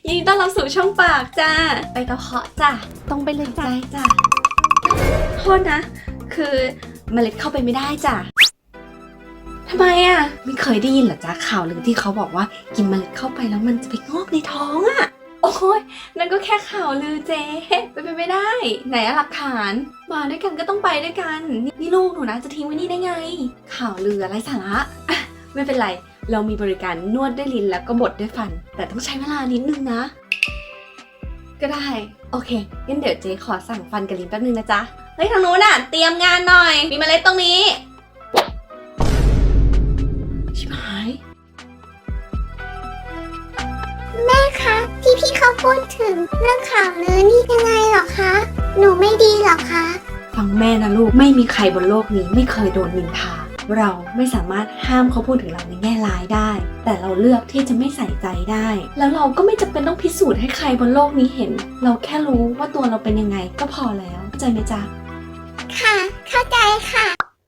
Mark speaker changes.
Speaker 1: ยินดีต้อนรับสู่ช่องปากจ้าไปกระเพาะจ้าต้องไปเลยจ้าโทษนะคือเมล็ดเข้าไปไม่ได้จ้ะทำไมอ่ะไม่เคยได้ยินเหรอจ๊ะข่าวลือที่เขาบอกว่ากินเมล็ดเข้าไปแล้วมันจะไปงอกในท้องอ่ะโอ้ยนั่นก็แค่ข่าวลือเจ๊ไปไม่ได้ไหนอะหลักฐานมาด้วยกันก็ต้องไปด้วยกันนี่ลูกหนูนะจะทิ้งไว้นี่ได้ไงข่าวลืออะไรสาระอ่ะไม่เป็นไรเรามีบริการนวดด้วยลิ้นแล้วก็บดด้วยฟันแต่ต้องใช้เวลานิดนึงนะก็ได้โอเคงั้นเดี๋ยวเจ๊ขอสั่งฟันกับลิ้นแป๊บนึงนะจ๊ะเฮ้ยทางนู้นน่ะเตรียมงานหน่อยมีเมล็ดตรงนี้ชิบหาย
Speaker 2: แม่คะที่พี่เขาพูดถึงเรื่องข่าวลือนี่ยังไงหรอคะหนูไม่ดีหรอคะ
Speaker 1: ฟังแม่นะลูกไม่มีใครบนโลกนี้ไม่เคยโดนนินทาเราไม่สามารถห้ามเขาพูดถึงเราในแง่ร้ายได้แต่เราเลือกที่จะไม่ใส่ใจได้แล้วเราก็ไม่จำเป็นต้องพิสูจน์ให้ใครบนโลกนี้เห็นเราแค่รู้ว่าตัวเราเป็นยังไงก็พอแล้วเข้าใจไหมจ๊ะ
Speaker 2: ค่ะเข้าใจค่ะ